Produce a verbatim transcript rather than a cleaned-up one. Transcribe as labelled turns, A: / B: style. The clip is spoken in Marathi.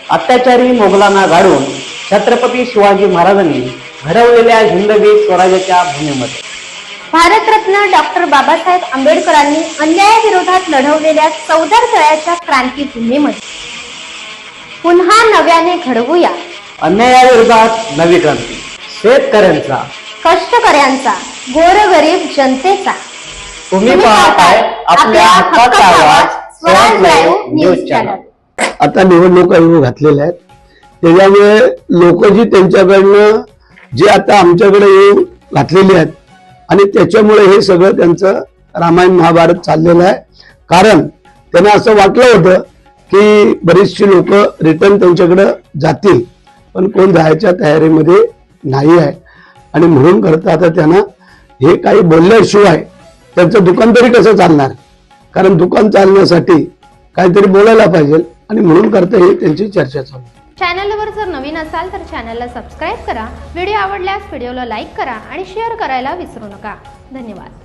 A: अत्याचारी मोगलांना गाडून छत्रपती शिवाजी महाराजांनी घडवलेल्या हिंदवी स्वराज्याच्या भूमीमध्ये
B: भारतरत्न डॉक्टर बाबासाहेब आंबेडकरांनी अन्यायाविरोधात लढवलेल्या चौदार तळ्याच्या क्रांती भूमीमध्ये पुन्हा नव्याने घडवूया
A: अन्यायाविरोधात नवी क्रांती, शेतकऱ्यांचा,
B: कष्टकऱ्यांचा, गोरगरीब जनतेचा।
A: तुम्ही पाहताय आपल्या हक्काचा आवाज स्वराज लाईव्ह न्यूज चॅनल।
C: आता निवडणुका येऊ घातलेल्या आहेत, त्याच्यामुळे लोक जी त्यांच्याकडनं जे आता आमच्याकडे येऊ घातलेली आहेत आणि त्याच्यामुळे हे सगळं त्यांचं रामायण महाभारत चाललेलं आहे। कारण त्यांना असं वाटलं होतं की बरीचशी लोक रिटर्न त्यांच्याकडे जातील, पण कोण जायच्या तयारीमध्ये नाही आहे आणि म्हणून करता आता त्यांना हे काही बोलल्याशिवाय त्यांचं दुकान तरी कसं चालणार, कारण दुकान चालण्यासाठी काहीतरी बोलायला पाहिजे आणि म्हणून करता ही त्यांची चर्चा चालू।
B: चॅनलवर जर नवीन असाल तर चॅनलला सबस्क्राईब करा, व्हिडिओ आवडल्यास व्हिडिओला लाईक करा आणि शेअर करायला विसरू नका। धन्यवाद।